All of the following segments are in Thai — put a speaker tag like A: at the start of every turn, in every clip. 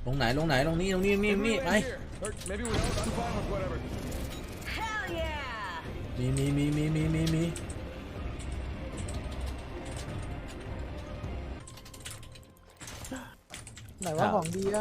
A: ลงไหนตรงนี้ไปมี
B: ไหนว่าของดีอ่ะ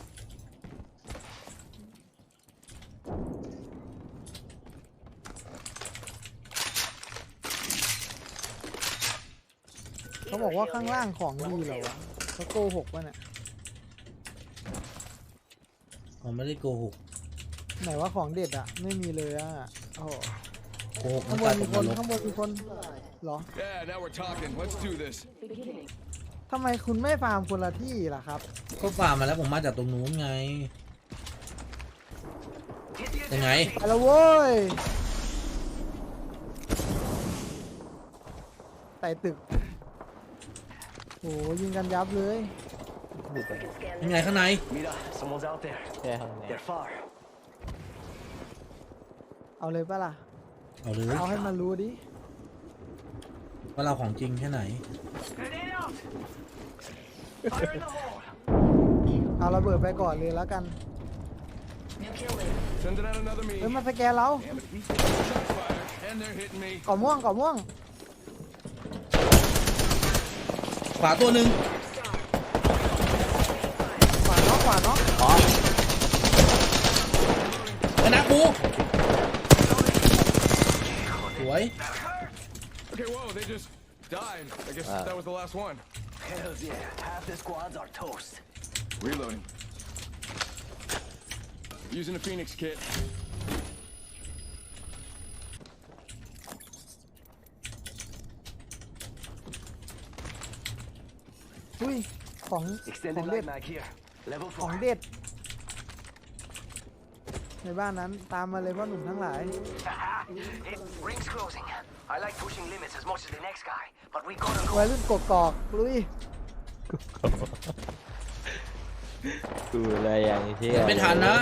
B: เขาบอกว่าข้างล่างของดีเหรอวะเขาโกหกป่ะเนี่ย
A: ผมไม่ได้โกหก
B: ไหนว่าของเด็ดอ่ะไม่มีเลยอ่ะโอ้โห
A: โกหกมั
B: ข้าน งบ
A: ตาย
B: น
A: ต
B: มี
A: ก
B: คน
A: นรก
B: ข้างบนมีคนเหรอ
C: Yeah, now we're talking. Let's do this.
B: ทำไมคุณไม่ฟาร์มคนละที่ล่ะครับ
A: ก็ฝ่ามาแล้วผมมาจากตรงนู้นไงยังไง
B: ไปแล้วเว้ยไต่ตึกโหยิงกันยับเลย
A: ยังไงข้างใน
D: Mira, someone's out there.
E: ใช่ครับเนี่ย
D: They're far.
B: เอาเลยปะล่ะ
A: เอาเลย
B: เอาให้มันรู้ดิ
A: ว่าเราของจริงแค่ไหน
D: Grenade out! Fire in the hole!
B: เอาระเบิดไปก่อนเลยแล้วกัน
C: Sending out another me.
B: เฮ้ยมาสแกนเรา
C: Damn it. Shot fired, and they're hitting me.
B: ก่อม่วง
A: ขวาตัวหนึ่ง
B: ขวาเนาะ
E: อ๋อ
A: ชนะกูสวย
C: Okay, whoa, they just died. I guess that was the last one.
D: Hells yeah, half the squads are toast.
C: Reloading. Using a Phoenix kit.
B: อุ้ยของ
D: Extended
B: เด็ด
D: light mag here. Level
B: ของ
D: 4.
B: เด็ดในบ้านนั้นตามมาเลยพ่อหนุ่มทั้งหลาย
D: It rings closing. I like pushing limits as much as the next guy, but we gotta go.
B: วัยรุ่นกกอกลุย
E: กูอะไรอย่างนี้ที่
A: ไม่ทันนะ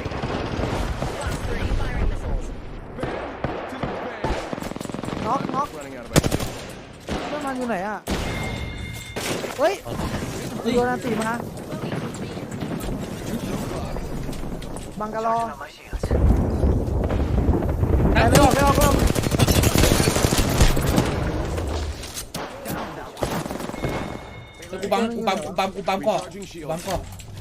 B: น็อก
C: Running out of ammo.
B: เพื่อนมันอยู่ไหนอ่ะเฮ้ยโดนอันตีมาบังกะลอ
D: Charging on my shields.
B: ไม่ออก
A: กูปั๊มก่อนปั๊มก่อน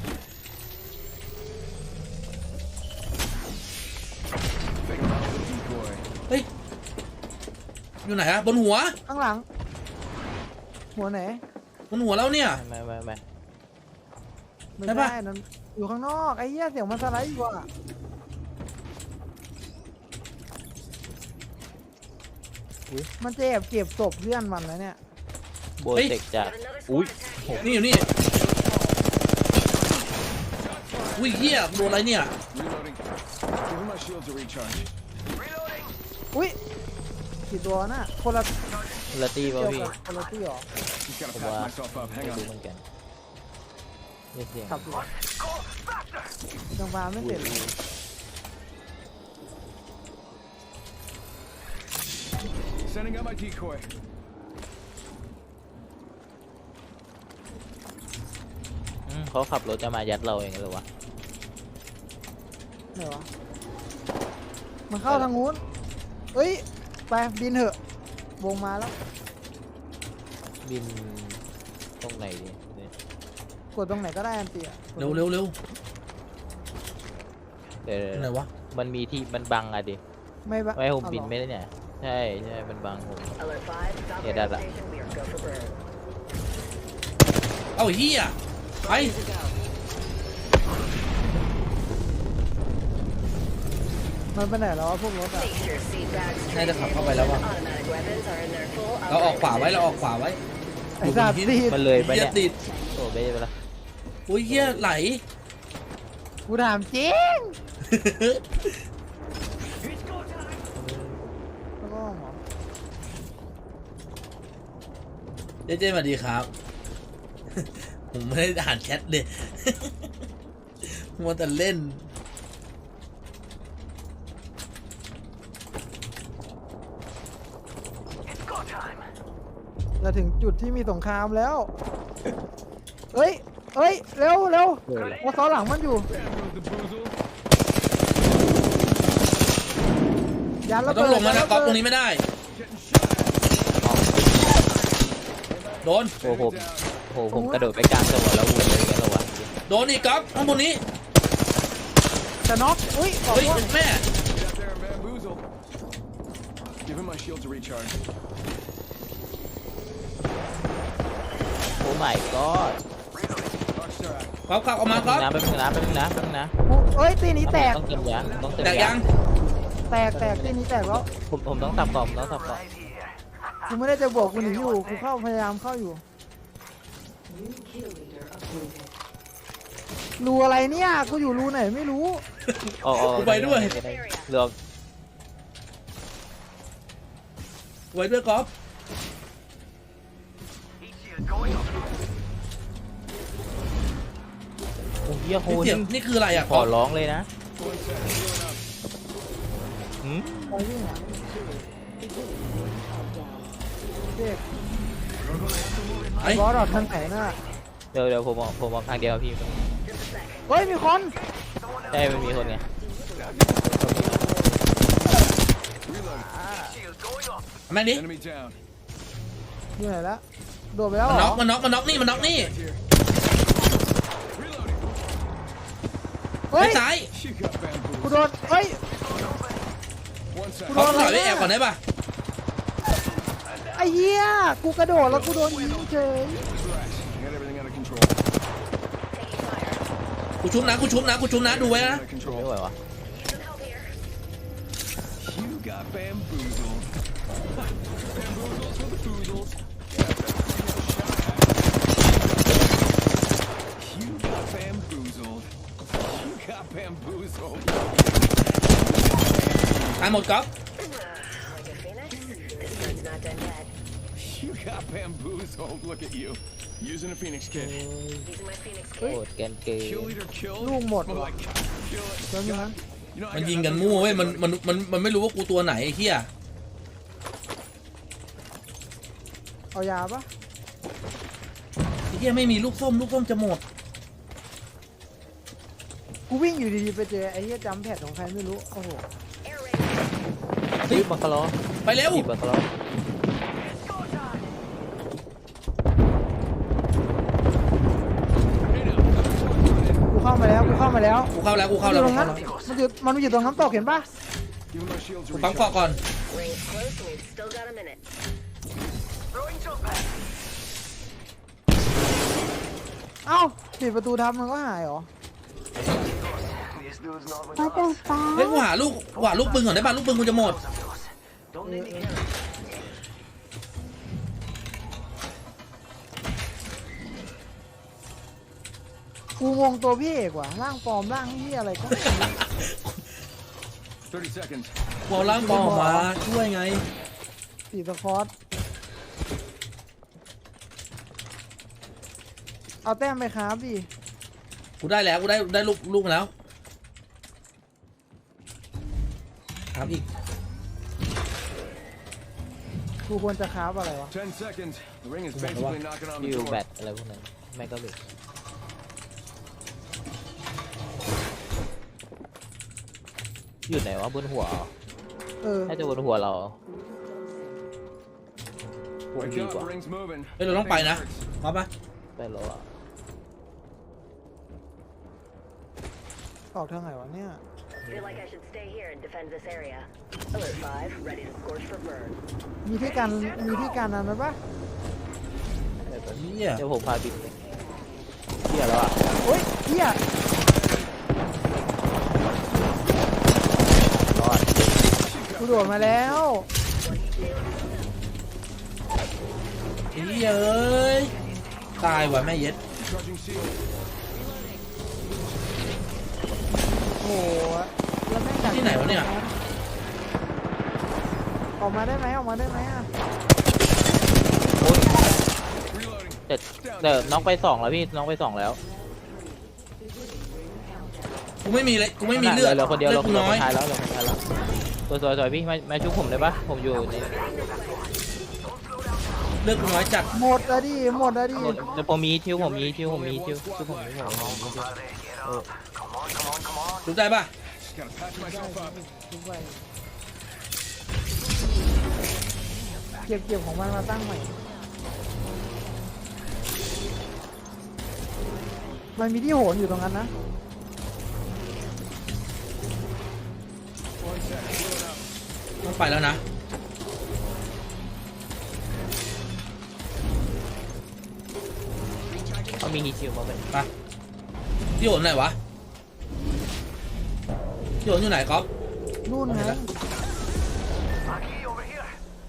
C: Think about the decoy.
A: เฮ้ยอยู่ไหนอะบนหัว
B: ข้างหลัง หัวไหน
A: บนหัวแล้วเนี่ย
E: ไม่
B: ไม่
A: ใช่ปะ
B: ใช่นั่นอยู่ข้างนอกไอ้เหี้ยเสียงมันสไลด์อยู่อ่ะมันเก็บศพเพื่อนมันนะเนี่ย
E: โบเทคจากอุ้ย
A: นี่อยู่นี่อุ้ยเหี้ยโดนอะไรเนี่ย
C: Reloading. Giving my shields a recharge.
D: Reloading.
B: อุ้ยกี่ตัวน่ะคนละ
E: ละตีป่ะ
B: เกี่ยว
E: พี่
B: กับคนละที่หรอ
C: Just gotta
E: Wow.
C: patch myself up.
E: ไม่
C: Hang
E: รู้
C: on.
E: เหมือนกันนี่เสียง
B: ขับอยู่
D: Go faster.
B: ยังฟาร์มไม่เสร็จเลย
C: Sending out my decoy.
E: เขาขับรถจะมายัดเราเองหรือวะ
B: ไหนวะมันเข้าทางนู้นเอ้ยไปบินเถอะวงมาแล้ว
E: บินตรงไหนดีเนี่ย
B: กดตรงไหนก็ได้อันเตีย
A: เร็ว
E: เดี๋ยว
A: ไหนวะ
E: มันมีที่มันบังอะดิ
B: ไม่บะ
E: ไม่ให้ผม
B: เอาหรอ
E: บินไม่ได้เนี่ยใช่มันบังผม
F: Alert 5, stop
E: Yeah,
F: radio
E: that-
F: station. We are go for burn.
A: เอ้าเหี้ยไป
F: To go.
B: มันไปไหนแล้ววะพวกรถอ่ะ
F: Make sure seat bags,
A: น่าจะขับเข้าไปแล้วว่ะ
F: automatic weapons are in their full
A: เราออกขวาไว้เราออกขวาไว้
B: ไอ้สัตว์ตี
E: มันเลยไป
A: เหี้ย
E: เนี่ย
A: ติด
E: โอ้ไม่ได้ไปละ
A: อุ้ยเหี้ยไหล
B: กูถามจริง
D: It's go time.
B: แล้วก็หมอ
A: เจ๊สวัสดีครับ ผมไม่ได้อ่านแชทเลย มัวแต่เล่น
D: It's go time.
B: จะถึงจุดที่มีสงครามแล้วเอ้ยเฮ้ยเร็วเร็ว
E: เกิดอะไร
B: วอซ้อนหลังมันอยู่
C: The boozle.
B: ยัน
A: เรา
B: ระ
A: ต้อ
B: เบิ
A: ง
B: ด
A: ลงมานะก๊อฟตรง
B: นี้
A: นี้ไม่ได้ โดน
E: โอ้โหผมกระโดดไปกลางจังหวะแล้ววนเลยกันเหรอวะ
A: โดนอีกก๊อฟข้างบนนี้
B: จะน็อกอุ้ยบอก
A: เฮ้ย
B: ว่า
A: แม่
C: Get out there and bamboozle. Give him my shield to recharge.
E: โอ้ my god
C: Rockstar out.
A: ก๊อฟขับออกมาก๊อฟ
E: น้ำแป๊บนึงนะแป๊บนึงนะแป๊บนึงนะ
B: เฮ้ยตีนี้แตก
E: ต้องเติมยาต้องเติม
A: แตก
E: ยา
A: ยัง
B: แตกตีนี้แตกแล้ว
E: ผมต้องสับก่อนผมต้องสับก่อน
D: Right here.
B: กูไม่ได้จะบอกกูหนีอยู่กูเข้าพยายามเข้าอยู่รูอะไรเนี่ยกูอยู่รูไหนไม่รู้
E: อ๋อ
A: กูไปด้วย
E: เรือ
A: ไว้ด้วยก๊อฟ
D: Heat shield going up.
E: โอ้เหี้ยโห
A: นี่เสียงนี่คืออะไรอ่ะ
E: ข
A: ก๊
E: อ
A: อฟ
E: ร้องเลยนะหืม
B: ไปวิ่งอ่ะเด็ก
A: ไอ้
B: บอสออกทางไหนน่ะ
E: เดี๋ยวผมมองทางเดียวพี่
B: เฮ้ยมีคน
E: ใช่มันมีคนไง
D: Shield going up.
A: แม่งนี้
C: Enemy down.
B: อยู่ไหนละโดดไปแล้ว
A: มัน
B: เหร
A: น็
B: อ
A: อกมันน็อกมันน็อกนี่มันน็อกนี่
C: Here. Reloading.
B: เฮ้
A: ไอ้
B: ย
A: ซ้าย
C: You got
B: กู
C: bamboozled.
B: โดนเฮ้ย
C: One sec.
A: ก๊อฟถอยไปแอบก่อนได้ปะ
B: ไอ้เหี้ยกูกระโดดแล้วกูโดนยิงเฉย
C: Relax. Got everything under control.
A: กูชุบนะกูชุบนะกูชุบนะดูไว้นะ
C: Under
E: ไม่
C: control.
E: ไหววะ
C: You got bamboozled. Bamboozles for the boozles. You got bamboozled. You got bamboozled.
A: ตายหมดก๊อฟ
F: Like a phoenix? This bird's not done yet.
C: You got bamboozled. Look at you. Using a Phoenix kit.
F: Using my phoenix
E: โอ้
F: kit.
E: แกนเกย์
C: Kill leader killed.
B: Lu một
C: Smell
B: rồi.
C: like kill it.
B: แล้วนี่นั้น
C: You know, I
A: มัน
C: got
A: ยิงกัน
C: nothing
A: มั่ว
C: more
A: เว้ย
C: to
A: มัน
C: say,
A: มันไม่รู้ว่ากูตัวไหนไอ้เหี้ย
B: เอายาปะ
A: ไอ้เหี้ยไม่มีลูกส้มจะหมด
B: กูวิ่งอยู่ดีๆไปเจอไอ้เหี้ยจำแพดของใครไม่รู้โอ้โห
F: Air raid.
E: เฮ้ยบังคาร์ลอ
A: ไปเร็ว
E: บังคาร์ลอ
B: กูเข้ามาแล้วกูเข้ามาแล้ว
A: กูเข้าแล้วกู
B: มัน
A: เข้า
B: อ
A: แล้ว
B: ยู่ตรงนั้นมันอยู่ตรงน้ำตกเห็นปะ
C: Give him my shield to
A: กูปั๊ม
C: recharge.
A: เกาะก่อน
F: Rings close and we've still got a minute.
D: Throwing jump pad.
B: เอ้าปิดประตูทับมันก็หายเหรอ
D: This dude's not with
G: เขาจะ
D: us.
G: ฟ้า
A: เฮ้ยกูหาลูกปืนก่อนได้ป่ะลูกปืนกูจะหมด
D: Don't make me carry.
B: กูงงตัวพี่เอกว่ะร่างปลอมร่างที่อะไรก็ไม่รู้
C: 30 seconds.
A: กูเอาล้างปอออกมาช่วยไง
B: สีสคอตเอาแต้มไปครับดิ
A: กูได้แล้วกูได้ลูกมาแล้วถามอีก
B: กูควรจะคราฟอะไรวะ
C: 10 seconds. The ring is basically knocking on the
E: ยูแบ
C: door.
E: ตอะไรพวกนั้นแม่งก็เลยอยู่ไหนวะบนหัวเหรอ
B: เออ
E: น่าจะบนหัวเราพวก
C: Wake
E: ดี
C: up,
E: กว่า
C: the ring's moving.
A: เฮ้ยเราต้องไปนะ
C: Hurts.
A: มาปะ
E: ไปแล้วอ่ะ
B: ออกทางไหนวะเนี่ย
F: Feel like I should stay here and defend this area. Alert 5, ready to scorch for burn.
B: มีที่การนั้นไหมปะ
A: เหี้ย
E: เดี๋ยวผมพาบินเลยเที่ยแล้วอ่ะ
B: โอ้ยเหี้ย
E: รอด
B: กูโดดมาแล้ว
A: เหี้ยเอ้ยตายว่ะแม่เย็ด
C: Charging shield.
B: โอ้โหแล้วแม่งจาก
A: ที่ไหนวะเนี่ย
B: ออกมาได้ไหมออกมาได้ไหมอ่ะ
E: โอ้ย
C: Reloading.
E: แต่น้องไปสองแล้วพี่น้องไปสองแล้ว
A: กูไม่มีเลยกูไม่มีเลือด
E: เหลือคนเดียว
A: เลื
E: เรา
A: อด
E: ค
A: กู
E: น
A: น้อย
E: ท้ายแล้วเหลือคนท้ายแล้วสวยๆพี่มาชุบผมได้ปะผมอยู่ใน
A: เลือกกูน้อยจัด
B: หมดอะดิหมดอะดิ
E: เดี๋ยวผมมีทิวผมมีทิวผมมีทิวคือผมมีทิว
D: Compadre, get up. Come on, come on, come on.
A: รู้ได้ปะ
C: Just gotta patch myself up.
B: ทุกใบเก็บของมันมาตั้งใหม่มันมีที่โหนอยู่ตรงนั้นนะ
C: One sec, healing up.
A: ต้องไปแล้วนะ
E: เขามีฮิทิวมาเป็น
A: ไปพี่โหนไหนวะพี่โหนอยู่ไหนก๊อฟ
B: นู่นไง
D: Aquí, over here.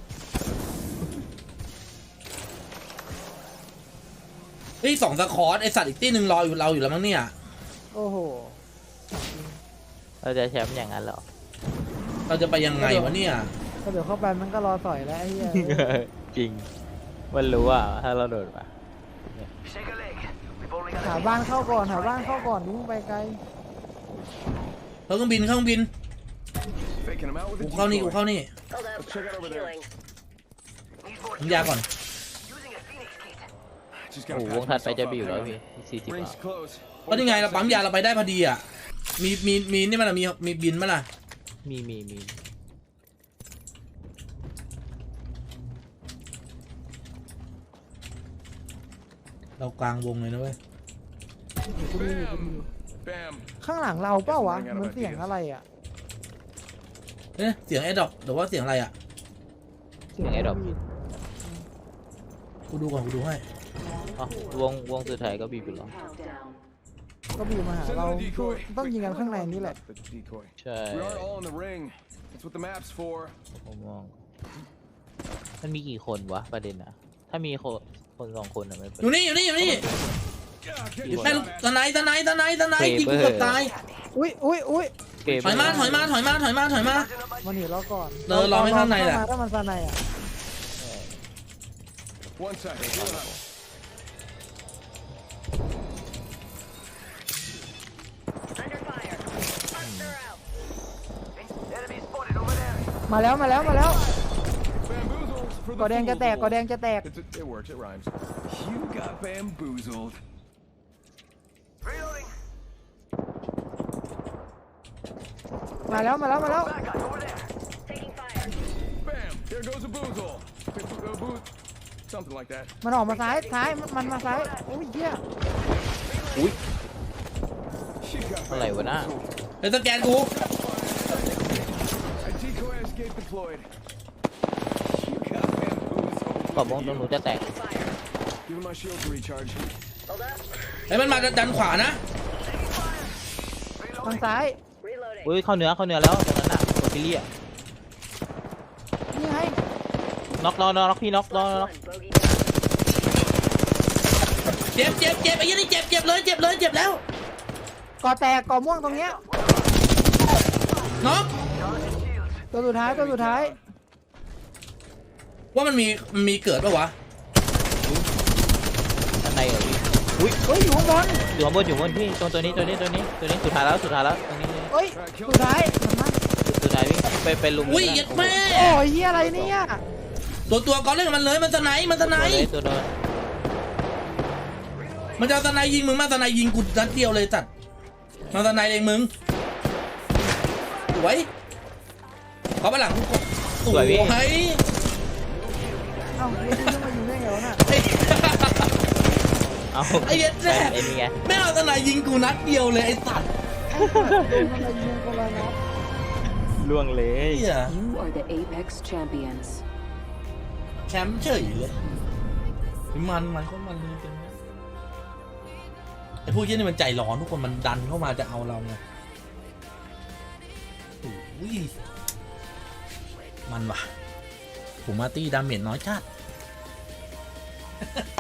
A: เฮ้ย2 สคอร์ไอสัตว์อีกตีหนึ่งรออยู่เราอยู่แล้วมั้งเนี่ย
B: โอ้โห
E: เราจะแชมป์อย่างนั้นเหรอ
A: เราจะไปยังไงวะเนี่ย
B: ก็เดี๋ยวเข้าไปมันก็รอต่อยแล้วไอ้เหี้ย
E: จริงมันรู้ว่าถ้าเราโดดมา
D: Shake a leg. We've only got
B: หา
D: a
B: บ้านเข้าก่อนหาบ้านเข้าก่อนดิ้งไปไกล
A: เครื่องบิน
C: Faking him out with
A: กู
C: a
A: เข้านี่
C: decoy.
A: กูเข้านี่
F: Hold up.
C: Check it over there.
F: Healing.
D: Need more
A: น้ำยาก่อน
D: using a Phoenix kit.
C: Just
E: โอ้
C: gotta
E: โหวง
C: patch
E: ถัดไป
C: myself
E: จะ
C: up.
E: บิวแล้ว
C: Hang
E: พี่
C: on.
E: 40
C: Rings
E: บาท
C: close.
A: ก็ยังไงเราปั๊มยาเราไปได้พอดีอ่ะมีนี่มันอะมีบินมั้ยล่ะ
E: มี
A: เรากลางวงเลยนะเว้ย
C: Bam. Bam.
B: ข้างหลังเราเปล่าวะมันเสียงอะไรอ่ะ
A: เอ๊ะเสียงแอดดอกหรือว่าเสียงอะไรอ่ะ
E: เสียงไอ้ดอก
A: กูดูก่อนกูดูให้
E: อ๋อวงสุดท้ายก็บีบไปแล้ว
B: ก็บีบมาหา
C: Send
B: เรา
C: in a decoy.
B: ต้องยิงกันข้างในนี่แหละ
C: The decoy.
E: ใช่
C: We are all in the ring. That's what the map's for.
E: ผมมองมันมีกี่คนวะประเด็นนะถ้ามีคน2 คนอะไม่เป็น
A: อยู่นี่
C: God,
A: อยู่
C: get
A: แม่
C: shot
A: ลูก
C: at.
A: ตะไนยิงกูเกือบตาย
B: อุ้ย
E: เกม
A: ถอยมา
B: มันหนีเราก่อน
A: รอไม่ข้างในแหละ
B: ถ้ามันข้างในอ่ะ
C: One sec, healing up.
F: Under fire. Archer out.
D: Enemy spotted over there.
B: มาแล้ว
C: Bamboozles for the
B: ก่อแดงจะแตก
C: fools.
B: ก่อแดงจะแตก
C: It works, it rhymes. You got bamboozled.
D: Reloading.
B: มาแล้ว
D: Bad guy over there.
F: Taking fire.
C: Bam! There goes a boozle. Something like that.
B: มันออกมาซ้ายมันมาซ้ายโอ้ยเหี้ย
C: She got
E: อะไรวะน่ะ
C: bamboozled.
A: เดี๋ยวสแกนกู
C: A decoy escape deployed. You got bamboozled.
E: ขอบวงตรงหนูจะแตก
F: Fire.
C: Giving my shield to recharge.
F: Hold up.
A: ไอ้ยมันมาดันขวานะ
B: ทางซ้าย
F: Reloading.
E: อุ้ยเข้าเนื้อแล้วตรงนั้นน่ะโคติเลีย
B: นี่ไง
E: น็อกพี่น็อก
F: Last one. Bogey down.
A: เจ็บไอ้ยี่นี่เจ็บเลยแล้ว
B: ก่อแตกก่อม่วงตรงเนี้ย
A: น็อก
B: ตัวสุดท้าย
A: ว่ามันมีเกิดปะวะ
E: ข้างในเหรอพี่
B: เฮ้ยอยู่ข้างบน
E: อยู่ข้างบนพี่ตัวนี้สุดท้ายแล้วตรงนี้
B: เฮ้ยสุดท้ายมันมา
E: สุดท้ายพี่ไปลุม
A: อุ้ยเย็ดแม่
B: โอ้ยเหี้ยอะไรเนี่ย
A: ตัวก็เล่นกับมันเลยมันสไนป์
E: ตัวโดน
A: มันจะเอาสไนป์ยิงมึงมาสไนป์ยิงกูนัดเดียวเลยจัดมาสไนป์เองมึงสวยขอไปหลังกูกดสวย
B: เอ้าเรียกขึ้นมาอยู่ได้ไงวะน่ะ
E: เอา
A: ไอ้เย็ดแม่
E: ไอ้นี่ไง
A: ไม่เอาสไนป์ยิงกูนัดเดียวเลยไอ้สัตว์
B: โดนอะไรยิงคนละนัด
E: ล่วงเลย
A: เหี้ย
G: You are the Apex champions.
A: แชมป์เฉยเลยมันก็มันเลยเป็นไอ้พวกนี้นี่มันใจร้อนทุกคนมันดันเข้ามาจะเอาเราไงโอ้ยมันว่ะผมมาตี้ดาเมจน้อยจัด